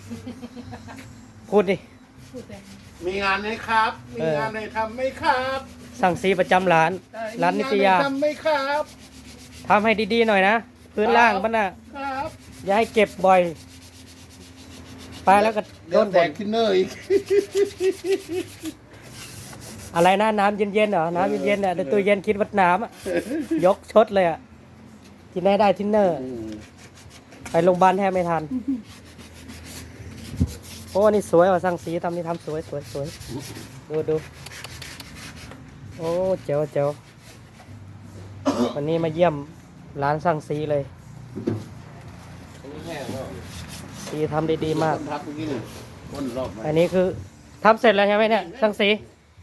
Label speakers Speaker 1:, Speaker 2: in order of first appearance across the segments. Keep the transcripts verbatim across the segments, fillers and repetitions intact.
Speaker 1: พูดดิ
Speaker 2: มีงานไหมครับ มีงานไหนทำไหมครับ
Speaker 1: สั่งซีประจำร้าน ร้านนิตยา
Speaker 2: ทำไหมครับ
Speaker 1: ทำให้ดีๆหน่อยนะพื้นล่างมันน่ะ
Speaker 2: ครับ
Speaker 1: อย่าให้เก็บบ่อย ไปแล้วก็โด
Speaker 2: เดี๋ยวน แต
Speaker 1: บ่
Speaker 2: ก
Speaker 1: น
Speaker 2: ทินเนอร์อีก
Speaker 1: อะไรนะน้ำเย็นๆเหรอน้ำเย็นๆเนี่ยในตู้เย็นคิดวัดน้ำอะยกชดเลยอ่ะกินได้ได้ทินเนอร์ ไปโรงพยาบาลแทบไม่ทัน โอ้นี่สวยว่ะสั่งสีทำนี่ทำสวยสวยสวยดูดูโอ้เจ๋วเจ๋ววันนี้มาเยี่ยมร้านสั่งสีเลย
Speaker 3: อันนี้แห้งแล้ว
Speaker 1: สีทำได้ดีมาก
Speaker 2: พักเมื่อกี้นี่วนรอบมา
Speaker 1: อันนี้คือทำเสร็จแล้วใช่ไหมเนี่ยสั่งสี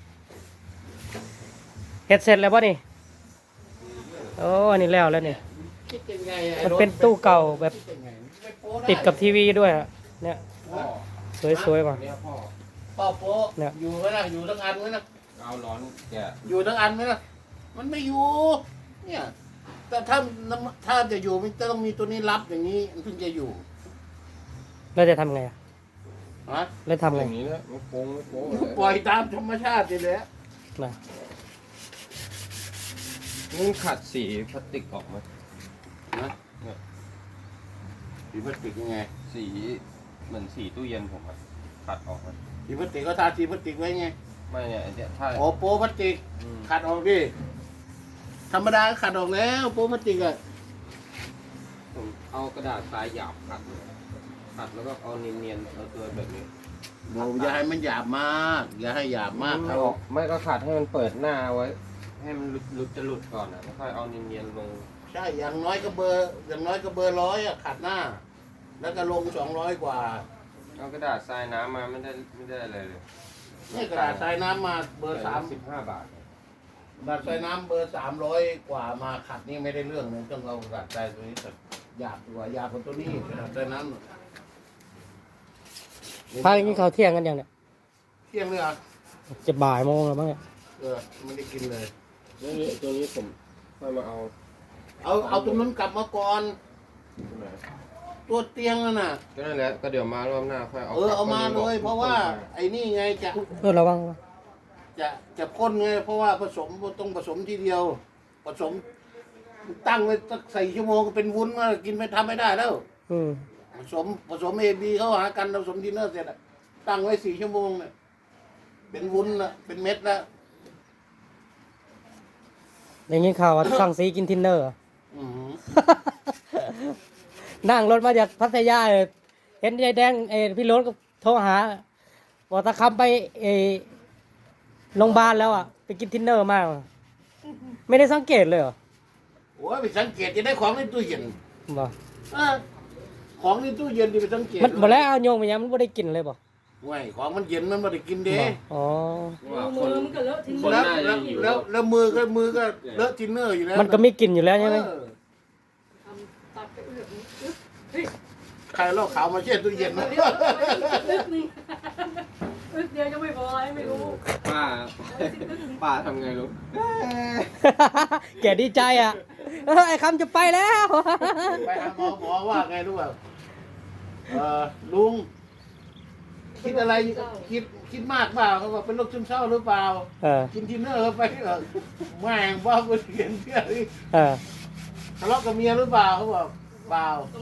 Speaker 1: เฮ็ดเสร็จแล้วป่ะนี่โอ้อันนี้แล้วแล้วนี่
Speaker 2: คิดยังไงไอ้
Speaker 1: มัน
Speaker 2: รถ
Speaker 1: เป็นตู้เก่าแบบ
Speaker 2: คิดยังไงไม่โป๊ะไ
Speaker 1: ติดกับทีวีด้วยอะเนี่ย
Speaker 3: พ่อ
Speaker 1: สวยๆว่ะ
Speaker 3: เนี่ยพ่อ
Speaker 2: ป้าโป๊ะ
Speaker 1: เนี่ย
Speaker 2: อยู่ไหมนะอยู่ทั้งอันไหมนะ
Speaker 3: เอาร้อนแกะ
Speaker 2: อยู่ทั้งอันไหมนะมันไม่อยู่ เนี่ย แต่ถ้าถ้าจะอยู่มันจะต้องมีตัวนี้รับอย่างนี้มันถึงจะอยู่
Speaker 1: แล้วจะทำไงอะ
Speaker 2: ฮะ
Speaker 1: แล้วทำ
Speaker 3: อ
Speaker 1: ไง
Speaker 3: ย่างนี้นะไม่โป้งไม่โป้งเลย
Speaker 2: ปล่อยตามธรรมชาติไปเลย
Speaker 1: นะ
Speaker 3: นี่ขัดสีพลาสติกออกมา
Speaker 2: นะสีพลาสติกยังไง
Speaker 3: สีเหมือนสีตู้เย็นผมอะขัดออกมา
Speaker 2: สีพลาสติกก็ทาสีพลาสติกไว้ไง
Speaker 3: ไม่เนี่ยไอ้เนี่ยถ้า
Speaker 2: โอ้โป๊พลาสติก
Speaker 3: อืม
Speaker 2: ขัดออกดิธรรมดาก็ขัดออกแล้วโป๊พลาสติกอะ
Speaker 3: ผมเอากระดาษทรายหยาบขัดเลยขัดแล้วก็เอาเนียนๆเอาตัวแบบนี้
Speaker 2: โอ้อย่าให้มันหยาบมาก อย่าให้หยาบมากค
Speaker 3: ไม่
Speaker 2: รับ
Speaker 3: ออกไม่ก็ขัดให้มันเปิดหน้าไว้ ให้มันหลุดหลุดจะหลุดก่อนอ่ะแล้วค่อยเอาเนียนๆลง
Speaker 2: ใช่อย่างน้อยก็เบอร์อย่างน้อยก็เบอร์ร้อยอะขัดหน้า แล้วก็ลงสองร้อยกว่า
Speaker 3: เอากระดาษทรายน้ำมาไม่ได้ไม่ได้อะไรเลย
Speaker 2: นี่กระดาษทรายน้ำมาเบอร์สาม
Speaker 3: สิบห้าบาท
Speaker 2: กระดาษทรายน้ำเบอร์สามร้อยกว่ามาขัดนี่ไม่ได้เรื่องเลยต้องเอากระดาษทรายตัวนี้แต่หยาบกว่าหยาบกว่าตัวนี้กระดาษทรายน้ำ
Speaker 1: พาอย่างนี้เขาวเที่ยงกันยังเนี่ย
Speaker 2: เที่ยงเลยอ่ะ
Speaker 1: จะบ่ายโมงแล้วมั้งเนี่ย
Speaker 2: เออไม่ได้กินเลย
Speaker 3: แล้วนี่ตัวนี้ผมค่อยมาเอา
Speaker 2: เอาเอาตรงนั้นกลับมาก่อน
Speaker 3: ใช่ไหม
Speaker 2: ตัวเตียงนั่นน่ะ
Speaker 3: ก็นั่นแหละก็เดี๋ยวมารอบหน้าค่อยเอา
Speaker 2: เออเอามา
Speaker 3: ก
Speaker 2: เล
Speaker 3: บ
Speaker 2: ย เพราะว่าไอ้นี่ไงจะ
Speaker 1: เออระวังระวัง
Speaker 2: จะจะพ่นไงเพราะว่าผสมต้องผสมทีเดียว ผสมตั้งไว้สักสี่ชั่วโมงก็เป็นวุ้นมากินไม่ทำไม่ได้แล้ว
Speaker 1: อืม
Speaker 2: ผสมผสมเอบีเข้าหากันผสมดินเนอร์เสร็จอะตั้งไว้สี่ชั่วโมงเนี่ยเป็นวุ้นละเป็นเม็ดแล้ว
Speaker 1: อย่างนี้ข่าวว่าสั่งสีกินทินเนอร์เหรอ
Speaker 2: อือหือ
Speaker 1: นั่งรถมาจากพัทยาเลยเห็นยายแดงเออพี่รถก็โทรหาบอกตะคำไปเออโรงพยาบาลแล้วอ่ะไปกินทินเนอร์มากว่ะไม่ได้สังเกตเลยเหรอ
Speaker 2: โอ้ยไปสังเกตจะได้ของในตู้เย็น
Speaker 1: บอก
Speaker 2: เออของในตู้เย็นที่ไปสังเกต
Speaker 1: มันบอกแล้วเอาโยงไปยังมันไม่ได้กินเลยบอก
Speaker 2: ไม่ของมันเย็นมันไม่ได้กินเด้
Speaker 1: บอกอ๋อ
Speaker 3: ว่าค
Speaker 4: มือน มันก็เลอะทิ้งหมด
Speaker 2: แล้ว
Speaker 3: น่าจะ
Speaker 2: แล้ว
Speaker 3: อยู่
Speaker 2: แล้วแล้วมือก็มือก็เลอะทินเนอร์อยู่แล้ว
Speaker 1: มันก็ไม่กินอยู่แล้วใช่ไหม
Speaker 2: เออ
Speaker 4: ทำตัดไปเอื้อกนิดอึ๊บเฮ้ย
Speaker 2: ใครเล่าขาวมาเช็ดตู้เย็นนะ
Speaker 4: เดี๋ยวอึ๊บนึงอึ๊บเดียวจะไม่พออะไรไม่รู้
Speaker 3: ป้าป้าทำไงลูก
Speaker 1: แกดีใจอ่ะเออไอ้คำจะไปแล้ว
Speaker 2: ไปหาหมอหมอว่าไงรู้ป่ะเออลุงคิดอะไรคิดคิดมากเปล่าเขาบอกเป็นโรคซึมเศร้าหรือเปล่า
Speaker 1: เออ
Speaker 2: กินทินเนอร์เข้าไปเหรอแม่งว่าเพื่อนเขียนเพื่อนนี่
Speaker 1: เออ
Speaker 2: ทะเลาะกับเมียหรือเปล่าเขาบอกเปล่า